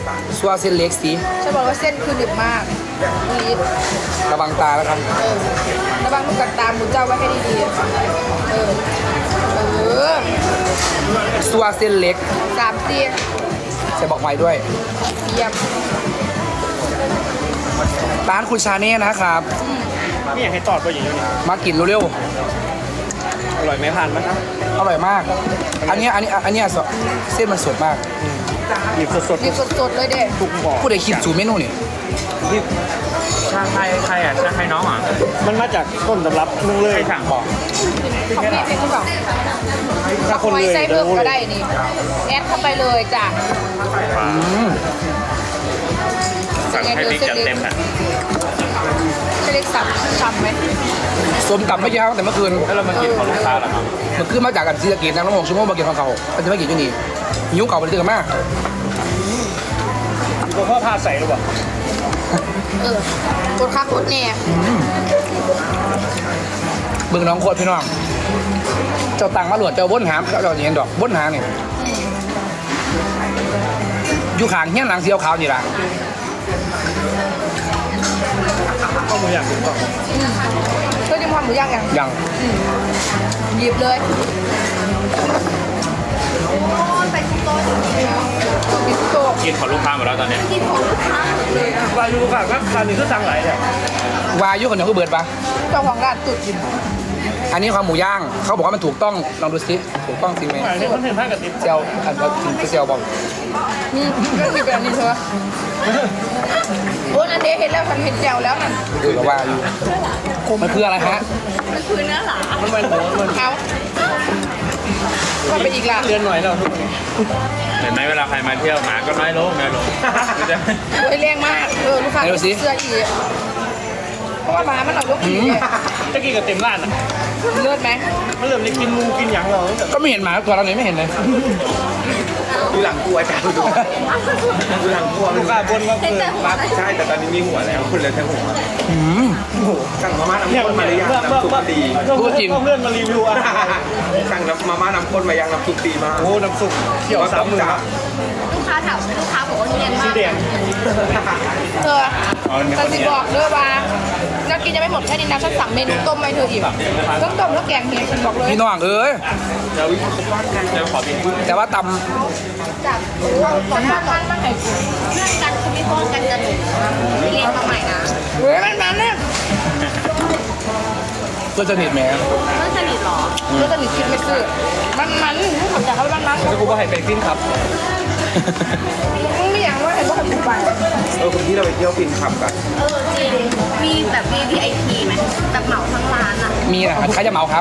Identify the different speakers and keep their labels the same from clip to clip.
Speaker 1: ซัวเส้นเล็กสิ
Speaker 2: ฉันบอกว่าเส้นคือหนึบมากนี่
Speaker 1: ระวังตาแล้วครับ
Speaker 2: ระวังลูกกัดตามหมูเจ้าไว้ให้ดีๆ
Speaker 1: ซัวเส้นเล็ก
Speaker 2: 3 เตียง
Speaker 1: ใส่บอกไว้ด้วย
Speaker 2: เยี่ยม
Speaker 1: ร้านคุณชาเน่นะครับ
Speaker 3: นี่อยากให้ตอดตัวอย่างนี้
Speaker 1: มากินเร็ว
Speaker 3: อร่อยไหมผ่านไหมครับ
Speaker 1: ๆอร่อยมาก อันเนี้ยเส้นมันสดมาก
Speaker 3: หยิบสด
Speaker 2: นี่สดๆเลยเด็
Speaker 3: ๆทุกบ่อ
Speaker 1: ผู้ใดคิดสูตรเมนูนี่
Speaker 4: ชาไทยใครอ่ะชาไทยน้องอ่ะ
Speaker 3: มันมาจากต้นตำรับนุ่งเลย
Speaker 4: ใครสั่งบอก
Speaker 2: ของพี่เป็นคนบอก
Speaker 3: ถ้าคนเลย
Speaker 2: ไส้เพิ่มก็ได้นี่แอดเข้าไปเลยจ้ะ
Speaker 4: สั่งให้บิ๊กจัดเต็มอ่ะ
Speaker 2: จะเล็กสับช้ำไหม
Speaker 1: ส้มตำไม่กี่ครั้งแต่เมื่อคืน
Speaker 4: แล้วเรามากินของลูกค้าเหรอครับ
Speaker 1: เมื่อคืนมาจากกันศรีสะเกษนั่งรถ6 ชั่วโมงมากินของเขาก็จะไม่กินที่นี่หิวเก่าไปเลยกันมาก
Speaker 3: ตัวพ่อพาใส่หรือเปล่า
Speaker 2: กดคักกดแน่
Speaker 1: เบิ่งน้องโคตรพี่น้อง เจ้าตังมาหลวดเจ้าบ้นหามเจ้าเห็นดอกบ้นหาเนี่ยอยู่ข้างเฮี้ยนหลังเสียวขาวนี่ล่ะ
Speaker 3: ข้าวหมูย่างถูกต้อง
Speaker 2: ก็จะทำหมูย่างอย่าง
Speaker 1: ยัง
Speaker 2: หยิบเลยใส่โต๊ะกินโต๊ะ
Speaker 4: กินของลูกค้าหมดแล้วตอนนี้
Speaker 3: วายูค่ะก็คราวนี้ก็สั่งหลายเนี่ยว
Speaker 1: ายุคนเดียวคือเบิดปะ
Speaker 2: เจ้าของร้านตุดกิน
Speaker 1: อันนี้ความหมูย่าง เขาบอกว่ามันถูกต้อง ลองดูสิถูกต้องจริงไหม
Speaker 3: หมายถึงมันถึงท่ากับติ๊บ
Speaker 1: เจียวอันว่าจริงเจียวบอก
Speaker 2: ก็มีแบบนี้เถอะโอ้นั่นเดเห็นแล้วฉันเห็นแจวแล้วนั่น
Speaker 1: คือกับว่าอยู่มันคืออะไรฮะ
Speaker 2: มันคือเนื้อหลา
Speaker 3: มันเป็นหัวมัน
Speaker 2: เขาก็ไปอีกละ
Speaker 3: เรียนหน่อยแล้วทุกคน
Speaker 4: เห็นไหมเวลาใครมาเที่ยวหมาก็น้อยลง
Speaker 2: โอ้ยแรงมากลูกค้าเสื้ออีกเพราะว่าหมามันออกลูกอีก
Speaker 3: จะกินกับเต็มร้านอ่ะ
Speaker 2: เลือดไหม
Speaker 3: มันเริ่มได้กินมูกินหยังเราตั้งแต่
Speaker 1: ก็ไม่เห็นหมาตัวเราเลยไม่เห็นเลย
Speaker 5: ดูหลังกลัวจ้ะดูหลังกลัว
Speaker 3: ลูกค้าบนว่าเออ
Speaker 5: มาใช่แต่ตอนนี้มีหัวแล้วคุณเลยทั้งหัวสั่งมาม่าน้ำ
Speaker 3: เนี่ย
Speaker 5: ข้นมาหรือยังน้ำซุปดี
Speaker 3: เพื่อนมารีวิวอาหาร
Speaker 5: สั่งมาม่าน้ำข้นมายังน้ำซุปดีมาก
Speaker 3: โอ้น้ำซุปเขียวสามมือ
Speaker 5: จ้า
Speaker 2: ลูกค้าถามลูกค้าบอกว่าเนียน
Speaker 3: สี
Speaker 2: มาก
Speaker 3: แดง
Speaker 2: เธอแต่สิบอกเด้อว่านักกินจะไม่หมดแค่นี้นะฉันสั่งเมนูต้มให้เธออีกต้องต้มแล้วแกงเฮียฉันบอกเลย
Speaker 1: พี่น้องเอ้ย
Speaker 4: เดี๋ยวขอบิน
Speaker 1: แต่ว่าต
Speaker 2: จากก่อนหน้ามันมาให้เรื่องกันคือไม่พ้องกันกันเรียนมาใหม่นะเฮ้ยมันเนี่ย
Speaker 1: ำเพื่อนสนิทแหม
Speaker 2: เพื่อนสนิทหรอเพื่อนสนิทคิดไม่ซื่อมันรู้ขับจากเขามัน
Speaker 3: แล้วกูก็ให้ไปฟินครับ
Speaker 2: มึงไม่อยากว่าเห็นว่าขับไป
Speaker 5: คุณที่เราไปเที่ยวฟินขับกัน
Speaker 6: จริงมีแบบ VIP ไหมแบบเหมาทั้งร้านอ่ะ
Speaker 1: มีนะใครจะเหมาครับ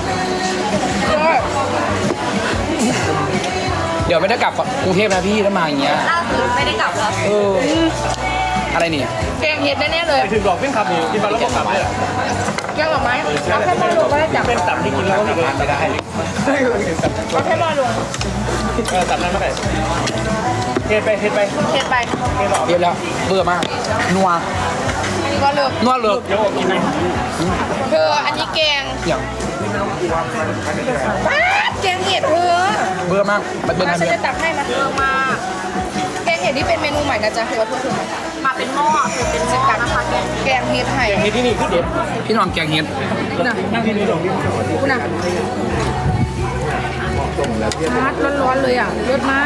Speaker 1: เดี๋ยวไม่ได้กลับกรุงเทพนะพี่ถ้ามาอย่างเงี้ย
Speaker 6: ล่าสุดไม่ได้กลับแล้ว
Speaker 1: เออ อะไรนี่
Speaker 2: แกงเห็ดแน่ๆเลย
Speaker 3: ไปถึงดอกฟินครับนี่กินมาแล้วก็กลับเลย
Speaker 2: แกงหน่อไม้เอาแค่มาลงก็ได้จับ
Speaker 3: เป็นตับที่กินแล้วก็ไม่ได้
Speaker 2: เอาแค่มาลง
Speaker 3: ตับนั้นไม่ได้เฮ็ดไป
Speaker 2: เห็ดไป
Speaker 1: เรียบแล้วเบื่อมาก นัว
Speaker 2: ก็เลิก
Speaker 1: นัวเลิก
Speaker 3: เดี๋ยวกินไหม
Speaker 2: เธออันนี้แกง
Speaker 1: อย่าง
Speaker 2: แกงเห็ดเธอ
Speaker 1: เบื่อมากมันเป็น
Speaker 2: มา
Speaker 1: อะไร
Speaker 2: ฉัน
Speaker 1: เบื่อ
Speaker 2: จะตักให้มาเธอมาแกงเห็ดนี่เป็นเมนูใหม่นะจ๊ะเธอว่าเธอ
Speaker 6: มาเป็นหม้อคือเป็นหม้อนะคะแกง
Speaker 2: แกงเห็ดไห่
Speaker 3: เฮ็ดที่นี่คือเด็ด
Speaker 1: พี่น้องแกงเห็ด
Speaker 2: น่ะ
Speaker 3: นั่งที่นี่ลง
Speaker 2: คุณน่ะฮาร์ดร้อนๆเลยอ่ะเลิศมาก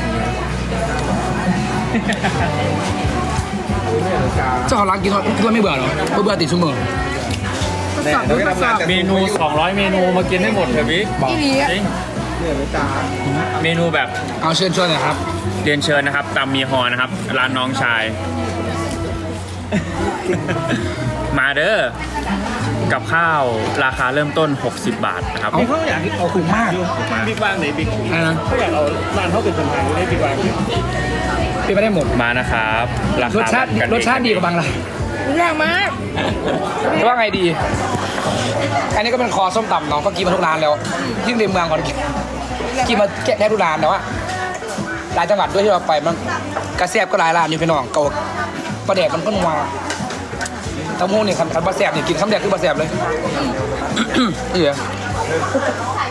Speaker 1: เจ้าของร้านกินก็ไม่เบื่อหรอเบื่อติดชั่วโมง
Speaker 2: ทดสอบทดสอบ
Speaker 4: เมนู 200 เมนูมากินให้หมดเถอะบิ๊ก
Speaker 2: อีหลีอะ
Speaker 4: จริงเมนูแบบ
Speaker 1: เอาเชิญชวนหน่อยครับ
Speaker 4: เรียนเชิญนะครับตำมีฮอนะครับ ร้านน้องชาย มาเด้อกับข้าวราคาเริ่มต้น 60 บาทนะครับ
Speaker 3: บิ๊กเขาอยากเอา
Speaker 1: ถูกมาก
Speaker 3: บิ๊กวางไหนบิ๊ก
Speaker 1: อะไรนะ
Speaker 3: เขาอยากเอาร้านเขาเป็นคนไทยได้บิ๊กวาง
Speaker 1: เป็นไม่ได้หมด
Speaker 4: มานะครับราร
Speaker 1: ส
Speaker 4: คา
Speaker 1: ชาติ
Speaker 4: แบบกัน
Speaker 1: รสชาติดีกว่าบางร้าน
Speaker 2: ยากมาก
Speaker 1: แต่ว่าไงดี อันนี้ก็เป็นคอส้มตำเนาะก็กินมาทุกร้านแล้ว ยิ่งในเมืองก่อนกินมาแค่ทุกร้านแต่ว่าหลายจังหวัดด้วยที่เราไปมันกระแซบก็หลายร้านอยู่พี่น้องเกาประเด็กมันก็นัวทั้งหมูนี่คันปลาแซบนี่กินคำแรกคือปลาแซบเลย เอ๋